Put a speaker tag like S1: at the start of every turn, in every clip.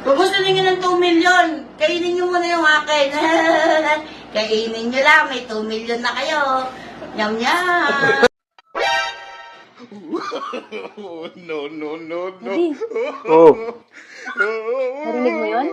S1: Kung gusto niyo ng 2 million, kainin niyo muna yung akin. Kainin niyo lang, may 2 million na kayo. Yum, yum.
S2: No, no, no, no.
S3: Daddy,
S4: Oh,
S3: narinig mo yun?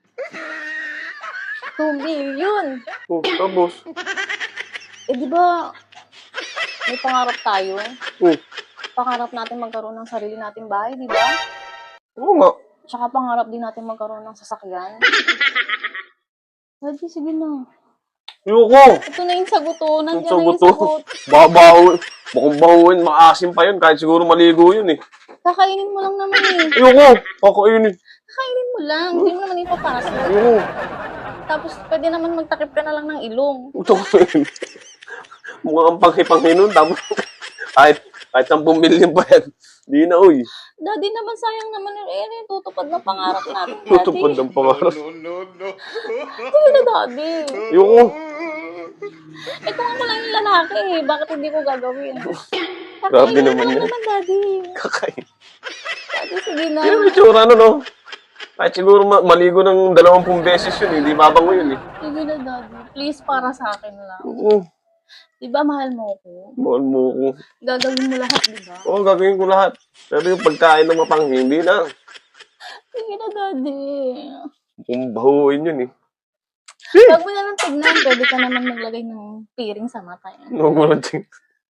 S3: 2 million.
S4: oh, tapos.
S3: Eh, di ba, may pangarap tayo.
S4: Oh,
S3: Pangarap natin magkaroon ng sarili nating bahay, di ba?
S4: oo nga.
S3: Tsaka pangarap din natin magkaroon ng sasakyan. Daddy, sige na.
S4: Ayoko.
S3: Ito na yung sagot, oh. Nandiyan na
S4: Sagot
S3: yung
S4: to.
S3: sagot.
S4: Babaho. Mukhang bahuin, maasim pa yun. Kahit siguro maligo yun eh.
S3: Kakainin mo lang naman eh.
S4: Ayoko. Kakainin.
S3: Kakainin mo lang. Hindi mo naman ipapasok.
S4: Ayoko.
S3: Tapos, pwede naman magtakip ka na lang ng ilong.
S4: Ito ko yun. Mukhang panghi-panghi nun. Tapos, kahit 10 million pa yan. Di na, uy.
S3: Daddy naman, sayang naman yung tutupad ng pangarap natin.
S4: Tutupad
S3: Daddy.
S4: ng pangarap.
S2: No, no, no.
S3: Sige na, Daddy.
S4: Ayoko.
S3: Eh, kung ako lang yung lalaki, bakit hindi ko gagawin?
S4: Grabe
S3: Kakainin
S4: naman
S3: mo lang
S4: yan.
S3: naman, Daddy.
S4: Kakain.
S3: Daddy, sige na.
S4: Yan ang itsura, ano, no? Kahit siguro maligo ng 20 beses yun, hindi babango yun eh.
S3: Sige na, Daddy. Please, para sa akin lang.
S4: Oo.
S3: Di ba mahal mo ako?
S4: Mahal mo ko.
S3: Gagawin mo lahat, di ba?
S4: Oo, gagawin ko lahat. Pero yung pagkain ng mapanghi, hindi na.
S3: Sige na, Daddy.
S4: Kung bahuin yun eh.
S3: Huwag mo na lang tignan. Pwede ka naman maglagay ng piring sa mata yan.
S4: Huwag mo lang ting.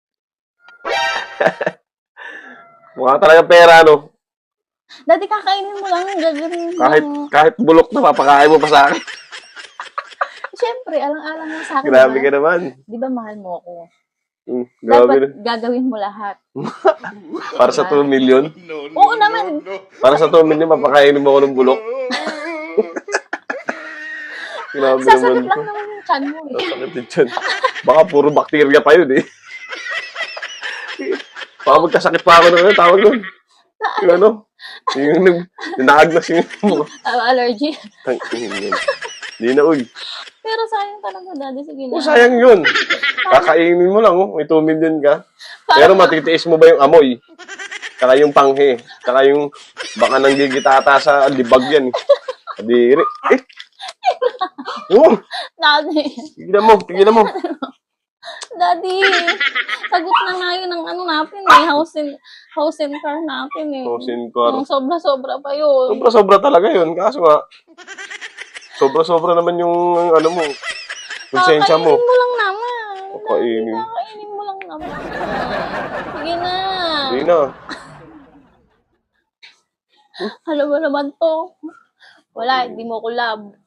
S4: Mukha talaga pera, no?
S3: Daddy, kakainin mo lang. Gagawin mo
S4: Kahit bulok na, papakain mo pa sa akin.
S3: Siyempre, alang-alang mo sa akin.
S4: Grabe
S3: diba?
S4: ka naman.
S3: Di ba mahal mo ako?
S4: Grabe
S3: Dapat
S4: na.
S3: gagawin mo lahat.
S4: Para sa 2 million?
S2: No, no,
S3: Oo naman.
S2: no.
S4: Para sa 2 million, papakainin mo ako ng bulok? Grabe
S3: Sasakit
S4: naman.
S3: lang naman yung chan mo eh.
S4: Sakit din dyan. Baka puro bakterya pa yun eh. Baka magkasakit pa ako ng ano, tawag nun. Yung ano? Yung nahagnas yung mo.
S3: Allergy.
S4: Hindi na, uy.
S3: Pero sayang talaga, Daddy. Sige na.
S4: Oh, sayang yun. Kakainin mo lang, oh. May 2 million ka. Pero matitiis mo ba yung amoy? Tsaka yung panghe. Tsaka yung baka nanggigitata sa libag yan. Kadiri. Oh,
S3: Daddy.
S4: tigilan mo.
S3: Daddy. Sagot na nga yun ng ano natin eh. House and car natin eh.
S4: House and car.
S3: Sobra-sobra pa yun.
S4: Sobra-sobra talaga yun. Kaso nga, sobra-sobra naman yung ano mo. Konsensya mo.
S3: Kakainin mo lang naman.
S4: Kakainin.
S3: Daddy, kakainin mo lang naman. Sige na.
S4: Hindi na.
S3: Alam mo naman to. Wala, hindi mo ko love.